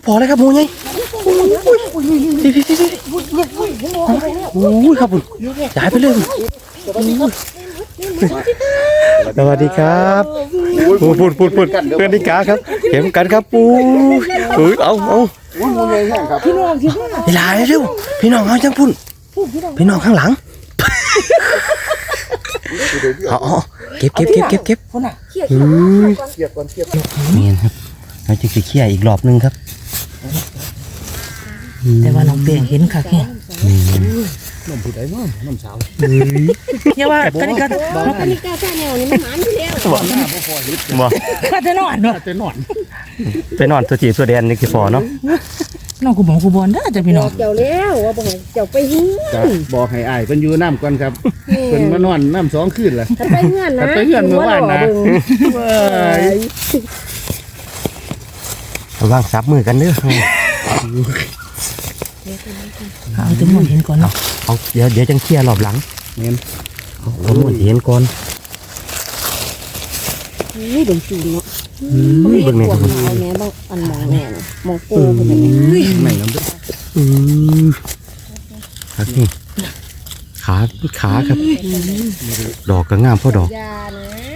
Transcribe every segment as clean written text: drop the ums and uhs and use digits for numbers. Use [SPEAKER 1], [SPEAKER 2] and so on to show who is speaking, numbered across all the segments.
[SPEAKER 1] พอเลยครับหมูไงพี่โอ้ยครับผมย้ายไปเลยสวัสดีครับพูดเพื่อนนิกาครับเข็มกันครับปูเอา
[SPEAKER 2] พี่น้องที่ว่า
[SPEAKER 1] เวลาเร็วพี่น้องเอาจังพุ่นพี่น้องข้างหลังอ๋อเก็บ
[SPEAKER 2] คนน่ะ
[SPEAKER 1] เกียบก่อนนี่ครับเราจะเขี่ยอีกรอบนึงครับ
[SPEAKER 2] แต่ว่าน้องเปียงเห็นค่ะแค่
[SPEAKER 3] น้ำผู้ใดน้ำสาว
[SPEAKER 2] อย่าว่ากันนี่
[SPEAKER 4] กาแค่แนวนี้มันหมันอยู่แล้ว
[SPEAKER 1] บ่
[SPEAKER 2] ข้าจะนอนเนาะ
[SPEAKER 1] ไปนอนตัวจีตัวแดนนี่คือฟอเนาะ
[SPEAKER 2] น้องกูบอกกูบอลได้จะพี่น้อง
[SPEAKER 4] เจ้าแล้วว่าบอกเจ้าไปเฮือน
[SPEAKER 3] บอกให้อ้ายเป็นอยู่น้ำก่อนครับเป็นมานอนน้ำ2 คืนแหละ
[SPEAKER 4] ไปเฮือนนะ
[SPEAKER 3] ไปเฮือนเมื่อวานนะ
[SPEAKER 1] ระวังซับมือกันเด้อ
[SPEAKER 2] เอาตัวมันเห็นก่อนเนาะ
[SPEAKER 1] เอาเดี๋ยวจังเขี่ยรอบหลัง
[SPEAKER 3] เนี่ย
[SPEAKER 1] เอาหมดเห็นก่อน
[SPEAKER 4] นี่ดมจูนเนาะ
[SPEAKER 1] เบิ่งนี่ครับ
[SPEAKER 4] เอาแม่บางอันมองแม่มองปูคนนี้
[SPEAKER 3] ไม่น้ำด้วย
[SPEAKER 1] ครับนี่ขาครับดอกก็งามเพราะดอก
[SPEAKER 4] ยานะ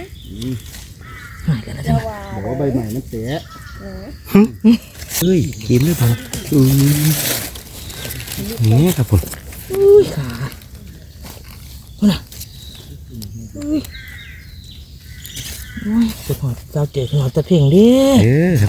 [SPEAKER 3] บอกว่าใบใหม่มันเตะ
[SPEAKER 1] เฮ้ยกินหรือเปล่านี่ครับผม
[SPEAKER 2] ขาคนน่ะสุดหอดเจ้าเจ๋อหอดตะเพ่งดิ
[SPEAKER 1] ครับ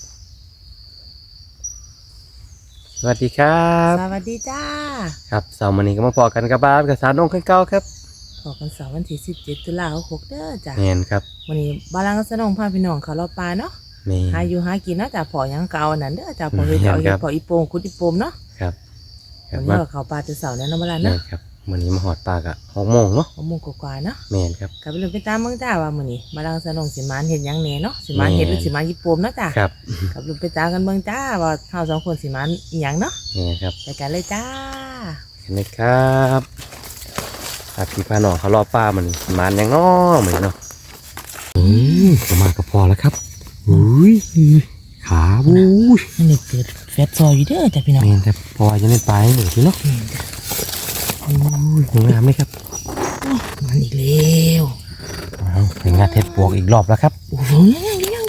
[SPEAKER 1] สวัสดีครับ
[SPEAKER 2] สวัสดีจ้า
[SPEAKER 1] ครับเสาร์วันนี้ก็มาพอกันกับบ้านกับสาวน้องขึ้นเก้าครับ
[SPEAKER 2] พอกันเสาร์วันที่17 ตุลาคม6เด้อจ้า
[SPEAKER 1] เห็นครับ
[SPEAKER 2] วันนี้บ้านกับสน้องพาพี่น้องเขาเราปลาเนาะหาอยู่หากินเนาะจ้าพอยังเก่านั่นเด้อจ้าพอเฮ็ดพออีโป่งคุดอีโป่งเนาะ
[SPEAKER 1] ครับ
[SPEAKER 2] วันนี้เขาปลาจะเสาร์แล้วเนาะบ้านเนาะ
[SPEAKER 1] ครับวันนี้มาหอดปลากะ6 โมงเนาะ
[SPEAKER 2] 6 โมงกว่าเนาะ
[SPEAKER 1] แม่นครับ
[SPEAKER 2] กลับไปเลยไปตามเมืองจ้าว่ามื้อนี้บ้านกับสน้องสิมานเฮ็ดหยังแหน่เนาะสิมานเฮ็ดหรือสิมานอีโป่งเนาะจ้า
[SPEAKER 1] ครับ
[SPEAKER 2] กลับไปไปตามกันเมืองจ้าว่าเฮา2 คนสิมานอีหยังเนาะ
[SPEAKER 1] นี่ครับ
[SPEAKER 2] ไปกันเลยจ้า
[SPEAKER 1] เห็นไหมครับพี่พาน้องเขารอป้ามันมันยังง้อเหมือนเนาะก็มาก็พอแล้วครับอุ้ยขาบู๊
[SPEAKER 2] นี่เกิดแฟตซอยอยู่เด้อจ้ะพี่น้อง
[SPEAKER 1] เห็นครับพอจะเล่นปลาให้หนูทีเนาะอุ้ยงามไหมครับ
[SPEAKER 2] มันอีกแล้ว
[SPEAKER 1] เป็นงานเทปปวกอีกรอบแล้วครับ
[SPEAKER 2] โอ้โหยัง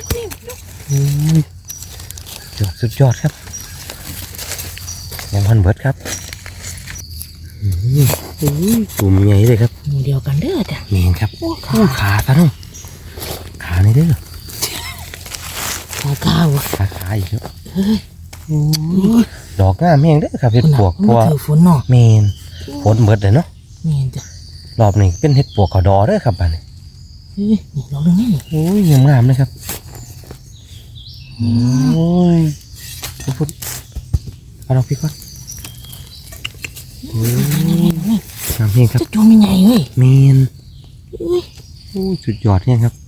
[SPEAKER 1] สุดยอดครับยังพันเบิดครับตุ่มใหญ่เลยครับ
[SPEAKER 2] หมู่เดียวกันเด้อจ้ะ
[SPEAKER 1] เมนครับขาซะน้องขาในเด้อขาอีกแล้วดอกงามแห้งเด้อครับเห็ดปวกเพราะว่า
[SPEAKER 2] ฝนเนาะ
[SPEAKER 1] เมนฝนเบิดเลยเนาะ
[SPEAKER 2] เมนจ้ะ
[SPEAKER 1] รอบนี้เป็นเห็ดปวกขอดอเด้อครับบ้านนี้
[SPEAKER 2] นี่ดอกนึงนี่
[SPEAKER 1] โอ้ยงามเลยครับโอ้ยพุดเอาดอกพี่ก่อนงามเพียงครับ
[SPEAKER 2] จะจูงยังไงเว้ย
[SPEAKER 1] เมนสุดยอดเนี่ยครับ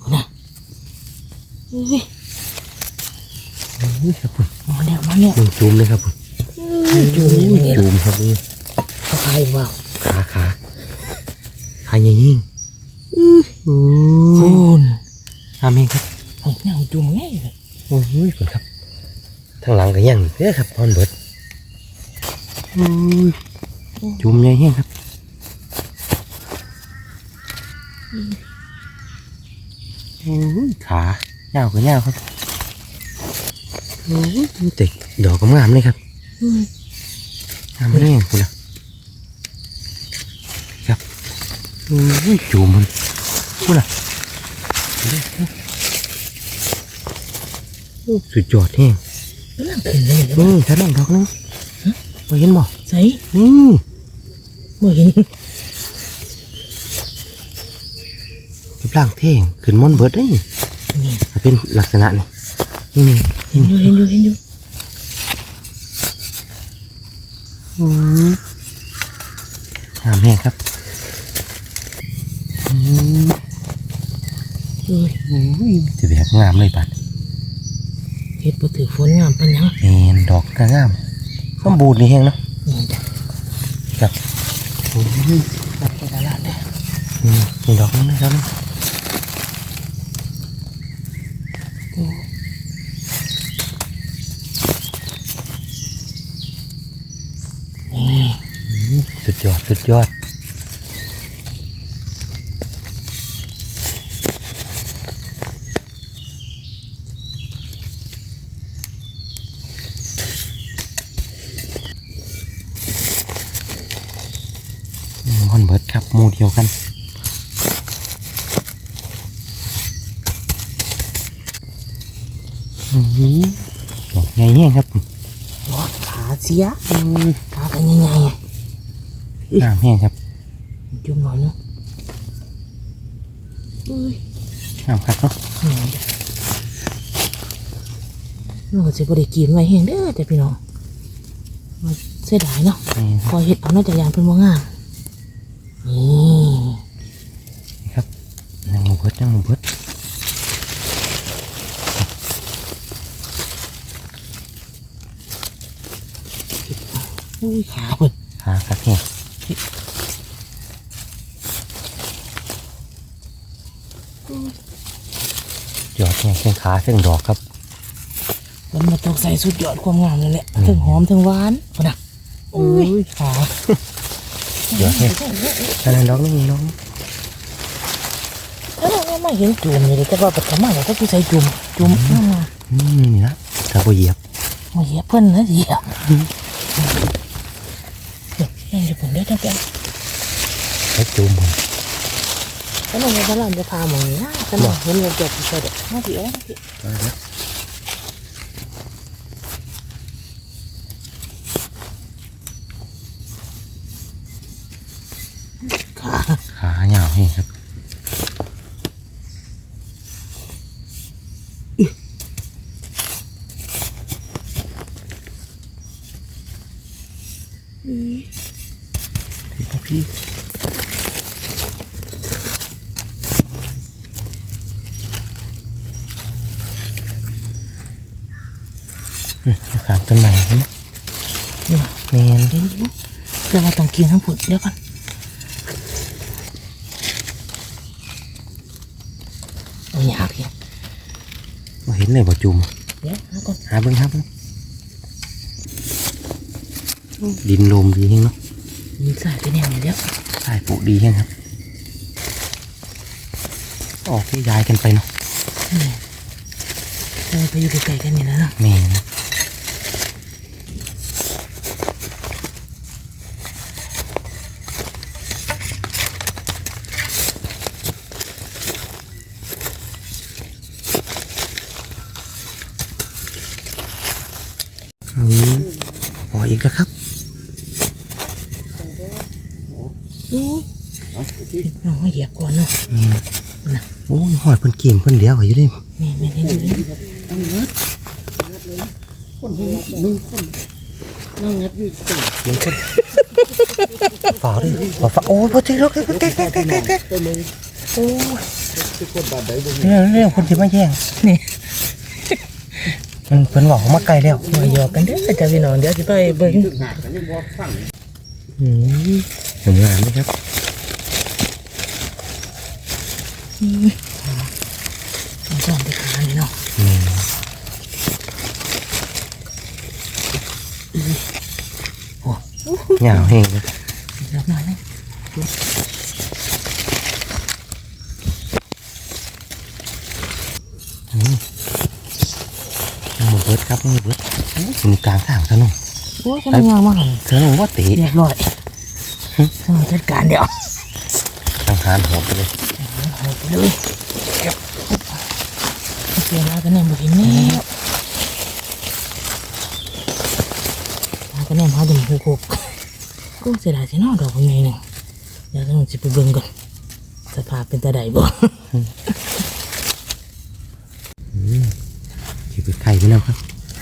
[SPEAKER 1] นี่ครับผม
[SPEAKER 2] มาแล้ว
[SPEAKER 1] จูมเลยครับผมจูมครับนี่
[SPEAKER 2] ขาว่าว
[SPEAKER 1] ขาใหญ่ยิ่ง
[SPEAKER 2] คุณ
[SPEAKER 1] ทำเองครับ
[SPEAKER 2] นี่จูงง่ายเลย
[SPEAKER 1] โอ้ยคุณครับทางหลังก็ยังเด้อครับพอนเบิดจูมใหญ่เฮี้ยครับขาเงาก็เงาครับติดดอกก็งามเลยครับงามเลยคุณนะครับจูมมันคุณล่ะสุดยอดแห้งถ้านั่งดอกนึงมาเห็นบ่
[SPEAKER 2] ใส่
[SPEAKER 1] มาเห็นรูปร่างเท่งขึ้นมอนเบิร์ดได้นี่เป็นลักษณะนี่
[SPEAKER 2] เห็นอยู่
[SPEAKER 1] งามแห้งครับจะแบบงามเลยปัด
[SPEAKER 2] เฮ็ดบ่ถือฝนงามปัญญัง
[SPEAKER 1] ดอกก็งามสมบูรณ์นี่แห้งเนาะครับ
[SPEAKER 2] ตัดไปตลาดเลย
[SPEAKER 1] นี่ดอกนึงนะครับสุดยอดสุดยอดฮอนเบิร์ดครับหมู่เดียวกันดอกใหญ่เนี่ยครับ
[SPEAKER 2] ว้าขาเสียขากันยังไง
[SPEAKER 1] น้ำแห้งครับ
[SPEAKER 2] จุ่มหน่อยเนาะ
[SPEAKER 1] น้ำครับเนาะ
[SPEAKER 2] เราก็จะบริกินไว้แห้งเด้อแต่พี่น้องเสียดายเนาะ
[SPEAKER 1] นี่
[SPEAKER 2] คอยเห็ดเอาน่าจะยานเพิ่นว่างามนี่
[SPEAKER 1] ครับยังหมูเบิดยังหมูเบิด
[SPEAKER 2] อุ้ยขาเพิ่น
[SPEAKER 1] หาครับแห้งยอดแห้งเส้นขาเส้นดอกครับ
[SPEAKER 2] มันมาตกใส่สุดยอดความงามเลยแหละถึงหอมถึงหวานพอนะอุ้ยขา
[SPEAKER 1] เดี๋ยวให้อันนั้นน้องนี่น้อง
[SPEAKER 2] แล้วเราไม่เห็นจุ่มเลยแต่ว่าปัจจุบันเราก็คือใส่จุ่ม
[SPEAKER 1] นี่นะถ้าบ่เหยียบ
[SPEAKER 2] มาเหยียบเพิ่นนะเหยียบนี่จะผมได้จังกัน
[SPEAKER 1] ใช้จุ่มมัน
[SPEAKER 2] แล้วเราจะเราจะพาหมองนี้นะแต่หมองเห็นเราจบใส่เด็กมาพี่เอ้ย
[SPEAKER 1] ขาเหยาวให้ครับพี่ขามต้นไม้นี่แมน
[SPEAKER 2] เดี๋ยวเดี๋ยวเราต้องกินทั้งผุดเดี๋ยวก่อนเอาอยากยัง
[SPEAKER 1] มาเห็นเลยบ่จุ่ม
[SPEAKER 2] เดี๋ยวเอาก่อน
[SPEAKER 1] หาเบิ่งครับดินลมดีแฮงเนาะ
[SPEAKER 2] มีสายไปแนวนี้เดี๋ยว
[SPEAKER 1] สายปลูกดีแฮงครับออกที่ย้ายกันไปเนาะ
[SPEAKER 2] ไปอยู่ไกลๆกันนี่นะเนาะ
[SPEAKER 1] แม่นะพออีกแล้วครับ
[SPEAKER 2] น้องเหยียบก่อนเนาะ
[SPEAKER 1] โอ้ยหอยเพิ่นเก่งเพิ่นเลี้ยวอยู่เด้
[SPEAKER 2] ไม่ได้ดูเลย
[SPEAKER 4] นั่งงัดอยู่จัง
[SPEAKER 1] ฝาดิฝาโอ้ยพอจริงแล้วเรื่องคนที่มาแย่ง
[SPEAKER 2] นี่
[SPEAKER 1] มันเพิ่นบอกเขามาไกลแล้ว
[SPEAKER 2] มาหยอกกันเด้อจ้าพี่น้องเดี๋ยวจะไปเบิ่ง
[SPEAKER 1] เห็นงานไหมครับ
[SPEAKER 2] จอมไปขานี่เนาะ
[SPEAKER 1] เหงาแห้งเลย
[SPEAKER 2] เดี๋ยวหน่อยนะ
[SPEAKER 1] หมูเบิดครับหมูเบิดอยู่กลางทางถนน
[SPEAKER 2] โอ้ยจะงามมากเลย
[SPEAKER 1] ถนนว่าตี
[SPEAKER 2] เรียบร้อยจัดการเดี๋ยว
[SPEAKER 1] ทางหานหัวไปเลย
[SPEAKER 2] เอาไปเลยเก็บเสียแล้วก็แนมบ่เห็นแล้วก็แนมหาดมหูกบก็เสียดายสิเนาะดอกเป็นไงหนึ่งเดี๋ยวต้องสิไปเบิ่งก่อนสภาพเป็นตาใดบ่
[SPEAKER 1] ขี่ไปไข่ไปแล้วครับ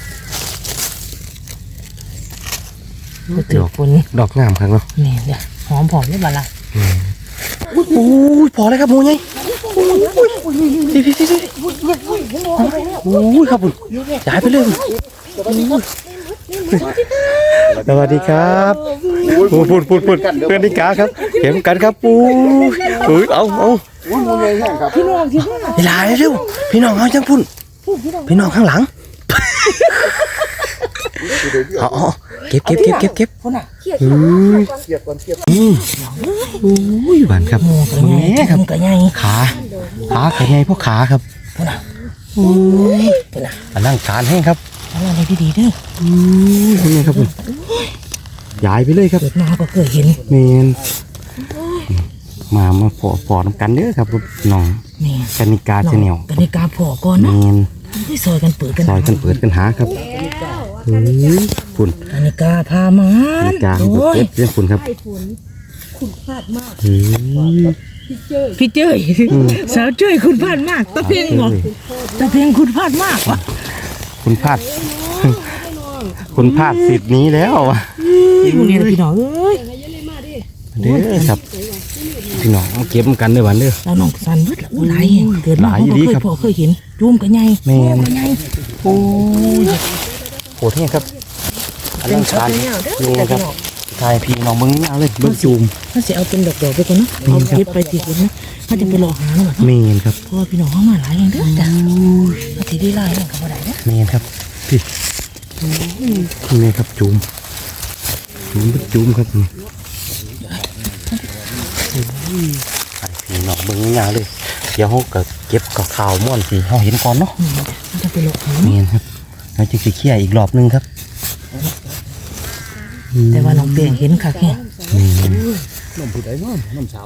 [SPEAKER 2] ก็ถือคน
[SPEAKER 1] ดอกงามครับเนาะ
[SPEAKER 2] นี่เดี๋ยวหอมผอมได้บ่ล่ะ
[SPEAKER 1] โอ้ยพอแล้วครับหมูไงโอ้ยครับผมย้ายไปเลยสวัสดีครับพูดเพื่อนนิกาครับเข็มกันครับปูเอา
[SPEAKER 3] พี่น้องที่ว่า
[SPEAKER 1] เวลาเร็วพี่น้องเอาจังพุ่นพี่น้องข้างหลังเอาเก็บ
[SPEAKER 2] คนน่ะ
[SPEAKER 1] อุ้ยหวานครับ
[SPEAKER 2] หมูกระไง
[SPEAKER 1] แม่ครับ
[SPEAKER 2] หมูกระไง
[SPEAKER 1] ขาแข็งไงพวกขาครับ
[SPEAKER 2] คนน่ะ
[SPEAKER 1] อุ้ย
[SPEAKER 2] คนน่ะ
[SPEAKER 1] อันนั่งการให้ครับ
[SPEAKER 2] เอาอะไรดีๆเด้อ
[SPEAKER 1] อุ้ยเป็นไงครับผมย้ายไปเลยครับ
[SPEAKER 2] เกิดมาก็เคยเห็น
[SPEAKER 1] เมนมาปอน้ำกันเด้อครับน้อง
[SPEAKER 2] นี่
[SPEAKER 1] กนิกาเชนแนล
[SPEAKER 2] กติกาพอก่อน
[SPEAKER 1] เม
[SPEAKER 2] เนาะ
[SPEAKER 1] น
[SPEAKER 2] ที่ซอยกันเปิดกัน
[SPEAKER 1] ซอยกันเปิดกันหาครับอุ้ยฝุ่น
[SPEAKER 2] กติกาพามาก
[SPEAKER 1] นิกา
[SPEAKER 2] โอ้ย
[SPEAKER 1] เก็บเรื่องฝุ่นครับ
[SPEAKER 4] คุณพลาดมาก
[SPEAKER 1] เฮ้ย
[SPEAKER 2] พี่เจ้ยสาวเจ้ยคุณพลาดมากตะเพียงบอกตะเพียงคุณพลาดมากวะ
[SPEAKER 1] คุณพลาด คุณพลาดสิทธิ์นี้แล้วอะ
[SPEAKER 2] พวกนี้นะพี่น้องเอ้ย
[SPEAKER 1] เด้อครับพี่น้องมาเก็บกันเด้อวันเด้อ
[SPEAKER 2] เราน้องสันเบิดละหลายแห่งเกิดมา
[SPEAKER 1] หลาย
[SPEAKER 2] เขา
[SPEAKER 1] ดี
[SPEAKER 2] ก็เคย
[SPEAKER 1] ครับ
[SPEAKER 2] พอเคยเห็นจุ่มกันไง
[SPEAKER 1] แม่น
[SPEAKER 2] กันไง
[SPEAKER 1] โอ้ยโหดแห้งครับอันนั้นการนี่ครับทายพี่น้องเบิ้งเอาเลยเบิ้งจูม
[SPEAKER 2] ถ้าจะเอาเป็นดอกๆไปก่อนเนาะเอาเก็บไปติดกันนะถ้าจะไปรอหาเนาะ
[SPEAKER 1] เมนครับ
[SPEAKER 2] เพราะว่าพี่น้องเขามาหลายอย่างเด้อจ้ะถ้าทีได้หลายอย่างก็บ่ได้เด้อ
[SPEAKER 1] เมนครับพี่นี่ครับจูมเป็นจูมครับนี่ทายพี่น้องเบิ้งยาวเลยเดี๋ยวเขาก็เก็บกับข่าวม่วนสิเขาเห็นก่อนเนาะ
[SPEAKER 2] ถ้าจะไปรอหา
[SPEAKER 1] เมนครับแล้วจึงสิเคลียร์อีกรอบนึงครับ
[SPEAKER 2] แต่ว่าน้องเปียงเห็นค่ะแค่
[SPEAKER 1] เมน
[SPEAKER 3] น้ำผู้ใดน้ำสาว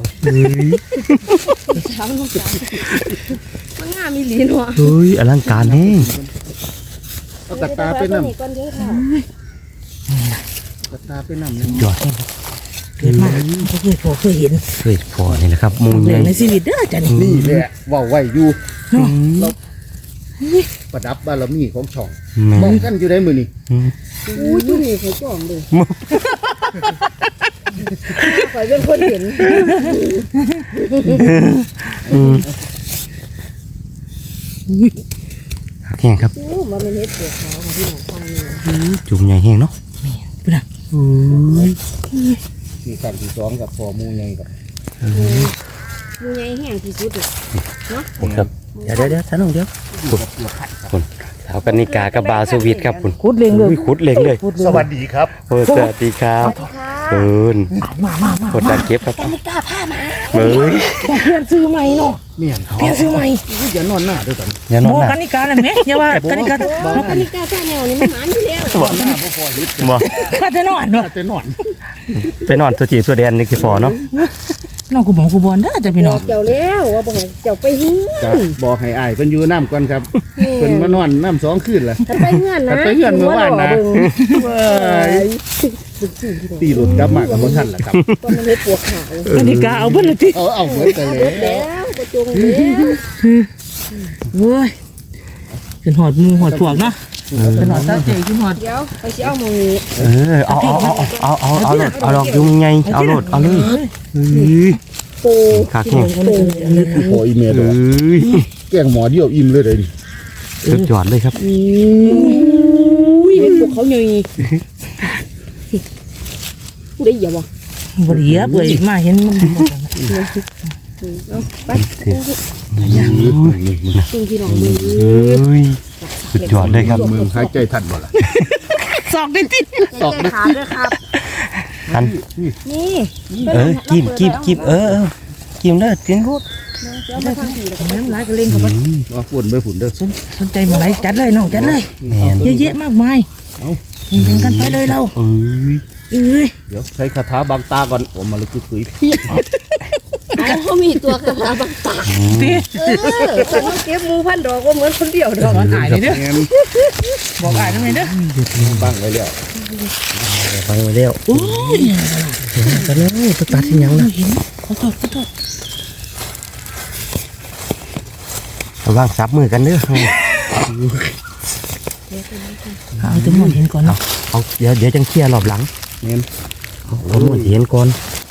[SPEAKER 4] มันงามมีหลีเนาะ
[SPEAKER 1] เฮ้ยอลังการแห้ง
[SPEAKER 3] เอากระตาไปน้ำ
[SPEAKER 4] ก่อนเด้อค่ะ
[SPEAKER 3] กระตาไปน้ำนึง
[SPEAKER 1] ยอดแห้งครับ
[SPEAKER 2] เกิดมาเขาเคยพอเคยเห็น
[SPEAKER 1] เคยพอนี่แหละครับมุง
[SPEAKER 2] เรื่
[SPEAKER 1] ให
[SPEAKER 2] อง
[SPEAKER 1] ญ่
[SPEAKER 2] ในชีวิตเด้อจ้ะนี่
[SPEAKER 3] นี่แหละว่าไว้อยู่
[SPEAKER 2] เนาะ
[SPEAKER 3] ประดับบารมีของช่อง
[SPEAKER 1] แม่
[SPEAKER 3] มองกันอยู่ได้มือนี่
[SPEAKER 4] อุ้ยตัวนี้เขาจอมเลยข่อยเป็นคนเห็น
[SPEAKER 1] แห้งครับ
[SPEAKER 4] โอ้มันเป็นเฮ็ดเปลือกขาวของพี่น้องฟังนี่
[SPEAKER 1] จุ่มใหญ่แห้งเนาะ
[SPEAKER 2] พี่น่ะ
[SPEAKER 3] ที่ขั้นที่สองกับพอหมูใหญ่กับ
[SPEAKER 4] มูใหญ่แห้งที่สุดเลย
[SPEAKER 1] ผมครับเดี๋ยวท่านองเดี๋ยวคุณสาวกนิกากับบาวสวิตครับคุณ
[SPEAKER 2] คุดเล็งเลย
[SPEAKER 1] ขุดเล็งเลย
[SPEAKER 3] สวัสดีครับ
[SPEAKER 1] โอ้สวัสดีครับ
[SPEAKER 4] ค่ะ
[SPEAKER 1] เอิน
[SPEAKER 2] มา
[SPEAKER 1] กดดันเก็บครับ
[SPEAKER 4] กนิกาผ้ามา
[SPEAKER 1] เฮ้ย
[SPEAKER 2] ต้องเปลี่ยนซื้อใหม่เนาะ
[SPEAKER 3] เมียน
[SPEAKER 2] เปลี่ยนซื้อใหม่
[SPEAKER 3] อย่านอนหน้าด้วยกัน
[SPEAKER 1] อย่านอน
[SPEAKER 2] โม
[SPEAKER 1] หนั
[SPEAKER 2] กั
[SPEAKER 1] ก
[SPEAKER 2] นนิกาเลยไหมอย่าว่ากนิกา
[SPEAKER 4] บอกกนิกาผ้าแนวนี่มันหมานอยู่แล้ว
[SPEAKER 3] หน้าพ่อฮิต
[SPEAKER 1] บ่
[SPEAKER 2] ข้าจะนอนเนาะ
[SPEAKER 3] จะนอน
[SPEAKER 1] ไปนอนตัวจีตัวแดนนี่คือพอเนาะ
[SPEAKER 2] น้องกูบอกกูบอลเด้อจ้ะพี่
[SPEAKER 4] บ
[SPEAKER 2] น้อ
[SPEAKER 4] อง กเจ้าแล้วว่าบอกให้เจ้าไปหิ้ง
[SPEAKER 3] จะบอกให้อายเพิ่นอยู่น้ำก่อนครับเพิ่นมานอนน้ำ2คืนละ
[SPEAKER 4] ถ้าไปเงื่อนนะ
[SPEAKER 3] ถ้าไปเงื่อนเมื่อวานนะ
[SPEAKER 4] เว้ย
[SPEAKER 3] ตีหลุดกลับมากับบ่ทันล่ะครับ
[SPEAKER 4] ตอนมันเฮ็ดปวกขาว
[SPEAKER 2] กนิกาเอาเบิ่ละติ
[SPEAKER 3] เอาเหมือนกัน
[SPEAKER 4] เอา
[SPEAKER 3] เล
[SPEAKER 4] เบิ
[SPEAKER 3] ย
[SPEAKER 4] ดแล้วก็จงแล้ว
[SPEAKER 2] เว้ยขึ้นหอดมือหอดพวกเนาะขึ้นหอดตาเจ๋ขึ้นหอด
[SPEAKER 4] เดี๋ยวไปสิเอาหมองนี้
[SPEAKER 1] เอาดอกยุ่งไงเอาโลดเอาเลยเฮ้ย
[SPEAKER 4] ปู
[SPEAKER 1] ขาแข็ง
[SPEAKER 3] โอ้ยเมีย
[SPEAKER 1] เฮ
[SPEAKER 3] เด้อ้
[SPEAKER 1] ย
[SPEAKER 3] แกงหมอเดียวอิ่มเลยเด้นี่
[SPEAKER 1] สุดยอดเลยครับ
[SPEAKER 4] อุ้ยเป็นพวกเขาใหญ่ผู้ใดเหยียบวะ
[SPEAKER 2] บ่ได้เหยียบเอ้ยมาเห็นมัน
[SPEAKER 4] เอาไป
[SPEAKER 3] มึง
[SPEAKER 4] ซึ่งพี่น้องมือ
[SPEAKER 1] เฮ้ยสุดยอดเลยครับ
[SPEAKER 3] หายใจทันบ่ล่ะ
[SPEAKER 2] สอกได้ติ
[SPEAKER 4] ตอกขาด้วยครับ
[SPEAKER 1] อัน
[SPEAKER 4] นี่
[SPEAKER 1] กิมกิมเด้อกินรูด
[SPEAKER 4] เดี๋ยวมาทางผีแล้ว
[SPEAKER 2] น้ำลายกระเล่งเขาบ่
[SPEAKER 3] ว่าฝุ่นไปฝุ่นเด้อ
[SPEAKER 2] สนใจมาไหนจัดเลยน้องจัดเลย
[SPEAKER 1] แม่น
[SPEAKER 2] เยอะแยะมากมายเห็นกันไปเลยเรา
[SPEAKER 1] เอ้ย
[SPEAKER 2] เอ้ย
[SPEAKER 3] เดี๋ยวใช้คาถาบางตาก่อนผมมาเลยคุย
[SPEAKER 4] เอาเขามีตัวกระถาบางตา
[SPEAKER 2] ติ
[SPEAKER 4] แต่เขาเก็บมูพันดอกก็เหมือนคนเดียวดอก
[SPEAKER 2] อายเลยเด้อ
[SPEAKER 3] แม่น
[SPEAKER 2] บอกอายทำไมเด้อ
[SPEAKER 3] บังไว้แล้ว
[SPEAKER 1] ฟังไว้แล้ว
[SPEAKER 2] โอ้ย
[SPEAKER 1] กันเลยตัวตัดที่ยังนะ
[SPEAKER 2] เห็นขอโทษ
[SPEAKER 1] ระวังซับมือกันเด้อ
[SPEAKER 2] เอาจำนวนเห็นก่อนเนาะ
[SPEAKER 1] เอาเดี๋ยวจังเคลียร์รอบหลัง
[SPEAKER 3] แม่น
[SPEAKER 1] เอาหมดเห็นก่อน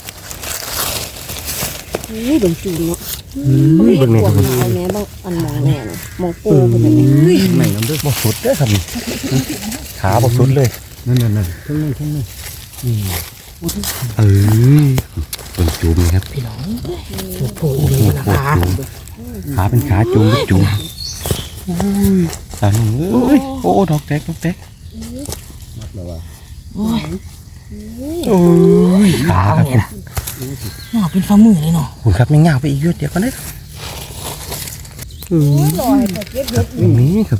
[SPEAKER 4] นี่ดงจูนเนาะ
[SPEAKER 1] เฮ้ย
[SPEAKER 4] เฮ็
[SPEAKER 1] เบิ่
[SPEAKER 4] ด
[SPEAKER 1] ง
[SPEAKER 4] ป
[SPEAKER 1] แม่
[SPEAKER 4] วก
[SPEAKER 1] ครับ
[SPEAKER 4] ขาวแม่บางอันมองแม่น่ะมองปูเป็นแบบนี้
[SPEAKER 3] ไหนน้ำเด้อ
[SPEAKER 1] บ่สุดเด้อครับขาบ่สุดเลย
[SPEAKER 3] นั่นทั้งนั้น
[SPEAKER 1] เออเป็นจุ่มนะครับ
[SPEAKER 2] พี่น้องโผล่อีก
[SPEAKER 1] โอ้
[SPEAKER 2] แล้ว
[SPEAKER 1] โห
[SPEAKER 2] นะคะ
[SPEAKER 1] ขาเป็นขาจุ่มจุ่มอันนี้โอ้ดอกแตก
[SPEAKER 3] มแล้วว่า
[SPEAKER 2] โอ้ย
[SPEAKER 1] โอ้ยขาครับ
[SPEAKER 2] เนี่ยนะหนาเป็นฝ่ามือเลยเนาะ
[SPEAKER 1] คุณครับยังยาวไปอีกเยอะเดี๋ยวก่อนนะ
[SPEAKER 4] ลอยแต่เก็บเห็ด
[SPEAKER 1] นี่ครับ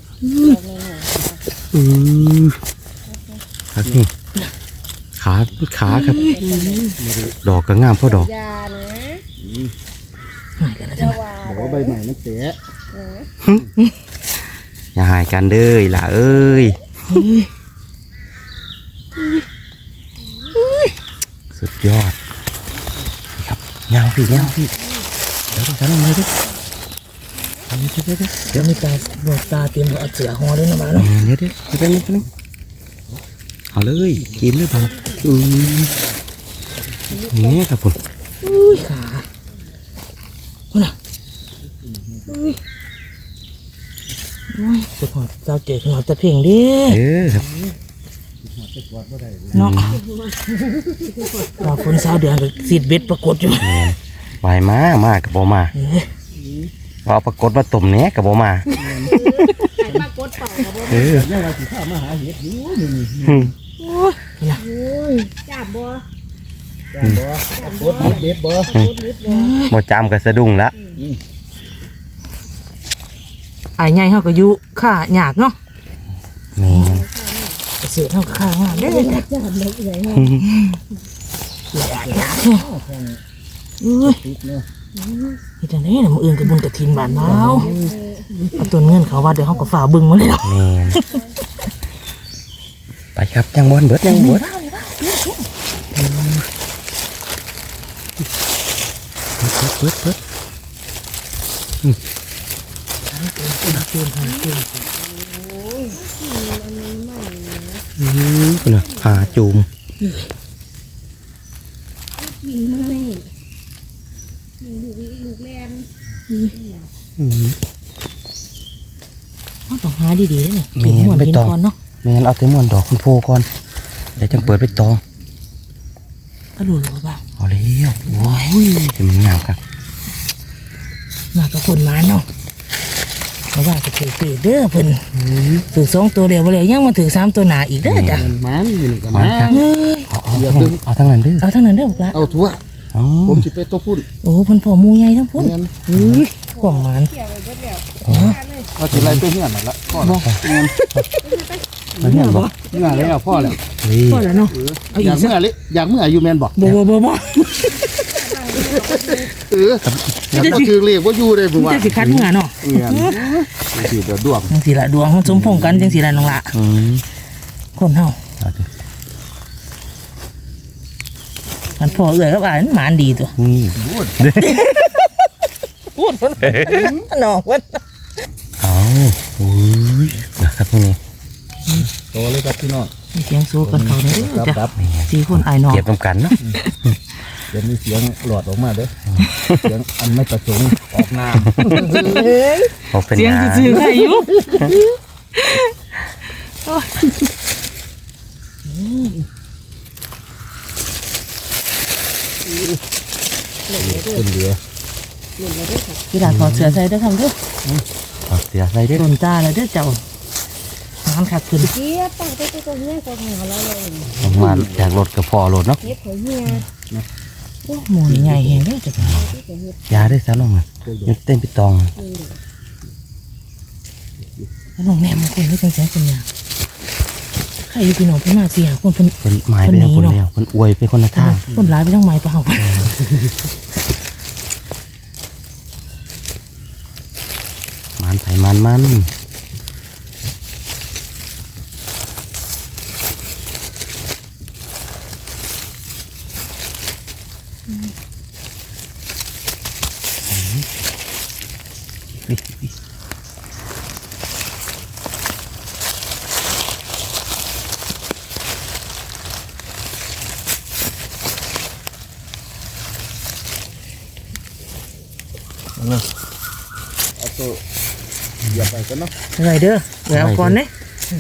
[SPEAKER 1] ครับนี่ขาครับดอกก็งามเพราะดอก
[SPEAKER 4] ยานะ
[SPEAKER 2] หายกันแล้ว
[SPEAKER 4] จะ
[SPEAKER 2] จ้ะ
[SPEAKER 4] ว่า
[SPEAKER 3] บอกว่าใบใหม่มันเตะ
[SPEAKER 1] อย่าหายกันเด้อล่ะเอ้ยสุดยอดครับยาวพี่เดี๋ยวฉันลงเลยดิ
[SPEAKER 2] เดี๋ยวมีตาบอดตาเตรียมเอาเสือห่อด้วยนะมาเนาะ
[SPEAKER 1] เดี๋ยวเอาเลยกินหรือเปล่านี่ครับผม
[SPEAKER 2] อุ้ยขาคุณน่ะอุ้ยสุดหอดเจ้าเจ๋อหอดตะเพ่งดิ
[SPEAKER 1] ครับ
[SPEAKER 2] เนาะเราคนสาวเดือนกับสีดเบ็ดปรากฏอยู่
[SPEAKER 1] วายมากับบ่มาเอาปรากฏว่าตุ่มเนี้ยกับบ่มา
[SPEAKER 4] ไข่ปลากดเป่าครับ
[SPEAKER 3] เนี่ยเราสิพามาหาเห็ดอยู่นี่
[SPEAKER 4] โอ้ยจับบ่
[SPEAKER 3] จ้าบ่กดเด็ดบ่
[SPEAKER 4] กดนิดบ่
[SPEAKER 1] บ่จำกับสะดุ้งละ
[SPEAKER 2] ไอ้ใหญ่เขาก็อยู่ข้าหยากเนาะ
[SPEAKER 1] นี่
[SPEAKER 2] เสือเขาก็ข้างามได้เลยจ้ะ
[SPEAKER 4] จับเล็กใหญ่
[SPEAKER 2] หยากเนาะอุ้ย
[SPEAKER 3] ติดเนาะ
[SPEAKER 2] นี่จังได๋น่ะมื้ออื่นก็บุญกฐินบ้านเฮาเอาต้นเงินเขาว่าเดี๋ยวเฮาก็ฝ่าบึงมาเลยเนาะ
[SPEAKER 1] นี่ไปครับยังบอลเบิดยังบอลเบิดคุณน่ะหาจูม
[SPEAKER 4] กินไม่ลูกแลน
[SPEAKER 2] เฮาต้องหาดีๆเด้อเนี่ยกินม่วนกินก่อนเนาะ
[SPEAKER 1] ไม่งั้นเอาแต่ม่วนดอกคุณโพก่อนเดี๋ยวจังเปิดไปตอง
[SPEAKER 2] ก็รู้แล้วว่า
[SPEAKER 1] เอาแล้วโอ้ยจะมันงามครับ
[SPEAKER 2] มากับคนมาเนาะเพราะว่าจะถือปีกเด้อเพิ่นถือ2ตัวเดียวบ่แล้วยังมาถือ3ตัวหนาอีกเด้อจ้ะ
[SPEAKER 3] มันอยู่นี่กัน
[SPEAKER 1] มา
[SPEAKER 3] นะครับ
[SPEAKER 2] เฮ้ย
[SPEAKER 1] เอาทั้งนั้นดื้อ
[SPEAKER 2] เอาทั้งนั้นเด้อบอกละ
[SPEAKER 3] เอาทั่ว
[SPEAKER 1] อ๋อ
[SPEAKER 3] ผมสิไปตัวพุ่น
[SPEAKER 2] โอ้เพิ่นพ่อหมู่ใหญ่ทั้งพุ่น
[SPEAKER 3] เงิน
[SPEAKER 2] ของมัน
[SPEAKER 4] เกี่ยวไปเบิดแล้ว
[SPEAKER 3] เอาสิไรไปเฮือนนั่นละพ่อ
[SPEAKER 2] บ่
[SPEAKER 3] เงิน
[SPEAKER 1] มันเนี่ยบอก
[SPEAKER 3] เมื่อแล้วพ่อแล้ว
[SPEAKER 2] พอแล้วเนาะ เอา
[SPEAKER 3] อ
[SPEAKER 2] อี
[SPEAKER 3] ยาก ก
[SPEAKER 2] สัก
[SPEAKER 3] เมื่อลิอยากเมื่ออยู่แมนบอก
[SPEAKER 2] บ่
[SPEAKER 3] อยากเอาชื่อเรียกว่าอยู่เลยผมว่า
[SPEAKER 2] จะสิคัดเมื่อเนาะ
[SPEAKER 3] เงินสิเดือดดวง
[SPEAKER 2] จังสิละดวงมันสมพงษ์กันจังสิละน้องละ
[SPEAKER 1] อืม
[SPEAKER 2] คนเฮา
[SPEAKER 1] เอาดิ
[SPEAKER 2] มันพ่อเอื้อยกับอ้ายมันหมานดีตัว
[SPEAKER 1] นี่
[SPEAKER 2] พูดเพิ่นน้องเพิ่น
[SPEAKER 1] เอาอุ้ยนะครับพวกนี้
[SPEAKER 3] โตเลยครับพี่น้อง
[SPEAKER 2] มีเสียงสู้กันเขาเด้อจ้ะ
[SPEAKER 3] ครับ
[SPEAKER 2] สี่คนอ้ายน้อง
[SPEAKER 1] เก็บน้ำกันเนาะ
[SPEAKER 3] เดี๋ยวมีเสียงหลอดออกมาเด้อเสียงอันไม่ประสงค์ออกน้
[SPEAKER 1] เขาเป็น
[SPEAKER 2] เสียง
[SPEAKER 1] งาน
[SPEAKER 2] ซื่อๆให้อยู่
[SPEAKER 3] ำเป็นเหลือ
[SPEAKER 2] กีฬาถอดเสื้อใส่เด้อครับเด้อ
[SPEAKER 1] เอาเสียใส่ด้วย
[SPEAKER 2] โดนตาแล้วเด้อเจ้าน้ำขัดขึ้น
[SPEAKER 4] เจี๊ยบตั้งแต่ตัวเนี้ยตัวหัวเราเลย
[SPEAKER 1] ผมมาจากรถกับพอรถเนาะ
[SPEAKER 4] เฮ็ดเขาเฮีย
[SPEAKER 2] โอ้หมูใหญ่แฮงเด้อจ้ะ
[SPEAKER 1] ยาได้ซะน้องอ่ะยังเต้นไปตอง
[SPEAKER 2] แล้วน้องแนมมันคนเฮ็ดจังซี่เป็นหยังใครอยู่พี่น้องเพิ่นมาสิหาคนเพิ่น
[SPEAKER 1] เป็นไม้ไปแล้วคนแล้วคนอวยไปคนละทาง
[SPEAKER 2] คนร้ายไปทั้งไม้เปล่า
[SPEAKER 1] มันไถมัน
[SPEAKER 3] เอาตัวอย่าไปกันเนาะ
[SPEAKER 2] ไรเด้อเดี๋ยวเอาก่อนเด้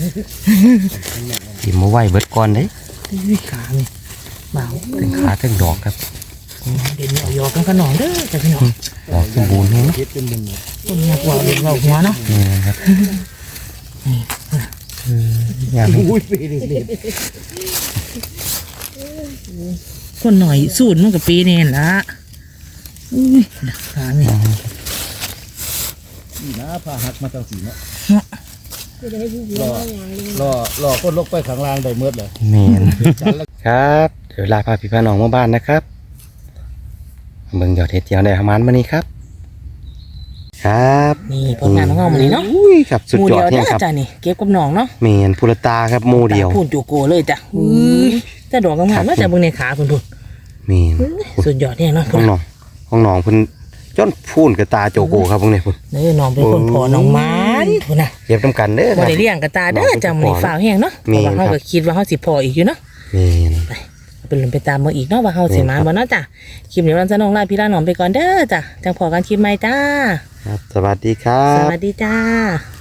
[SPEAKER 1] กินมาไหวเบิดก่อนเด้
[SPEAKER 2] วิขานี่เบา
[SPEAKER 1] ถึงขาถึงดอกครับ
[SPEAKER 2] เดี๋ยวเอายอกันขนองเด้อจ้ะพี่น้อง
[SPEAKER 1] ดอกสมบูรณ์เนาะ
[SPEAKER 3] เฮ็ดเป็นมุม
[SPEAKER 2] คนอยากว่าเด็กเราหัวเนาะ
[SPEAKER 1] นี่นะครับ
[SPEAKER 2] นี่
[SPEAKER 1] งาม
[SPEAKER 3] อุ้ยปีเด็ก
[SPEAKER 2] คนหน่อยสูตรมันกับปีนี่ละอุ้ยดักขาเนี่ย
[SPEAKER 3] นี่นะพาหักมาตั้งสีเนาะ
[SPEAKER 4] จะได้ผู้หญิงมาอย่างนี้
[SPEAKER 3] รอคนลกไปข้างล่างได้เมื่อเลย
[SPEAKER 1] แมน
[SPEAKER 3] จันแล้ว
[SPEAKER 1] ครับเดี๋ยวลาพาพี่พาน้องมาบ้านนะครับเบิ่งยอดเห็ดเจียวได้ประมาณวันนี้ครับ ครับ
[SPEAKER 2] นี่ผลงานของเราวันนี้เนาะ
[SPEAKER 1] อุ้ยครับสุด
[SPEAKER 2] หมู
[SPEAKER 1] ยอ
[SPEAKER 2] เดี
[SPEAKER 1] ด
[SPEAKER 2] ยว
[SPEAKER 1] เนี่ย
[SPEAKER 2] เด้อ
[SPEAKER 1] ครับ
[SPEAKER 2] จ้ะนี่เก็บกับน้องเนาะ
[SPEAKER 1] แมนพุรตาครับหมูเดียว
[SPEAKER 2] ตาพูนจูโกเลยจ้ะแต่ดอกงามๆเนาะจ้ะเบิ่งในขาเพิ่นพุ่น
[SPEAKER 1] แมน
[SPEAKER 2] สุดยอดเนี่ยเนาะ
[SPEAKER 1] ห้องน้องเพิ่นจนพูนกับตาโจโกครับพวกนี้พุ่น
[SPEAKER 2] เด้อน้องเป็นคนพอน้องมันพุ่นน่ะ
[SPEAKER 1] เก็บน้ำกันเด้อค
[SPEAKER 2] บ่
[SPEAKER 1] รับ
[SPEAKER 2] ได้เลี้ยงกับตาเด้อจ้ะมื้อนี้ฟ้าวแห้งเนาะเพ
[SPEAKER 1] แม่น
[SPEAKER 2] ราะว่า
[SPEAKER 1] ครับ
[SPEAKER 2] เฮาก็คิดว่าเฮาสิพออีกอยู่เนาะ
[SPEAKER 1] แมน
[SPEAKER 2] เป็นลมไปตามมาอีกเนาะว่าเฮาสิมาบ่เนาะจ้ะคลิปนี้วันสนองลาพี่ลาน้องไปก่อนเด้อจ้ะจังพอกันคลิปใหม่จ้า
[SPEAKER 1] ครับสวัสดีครั
[SPEAKER 2] ส
[SPEAKER 1] บ
[SPEAKER 2] วัสดีจ้า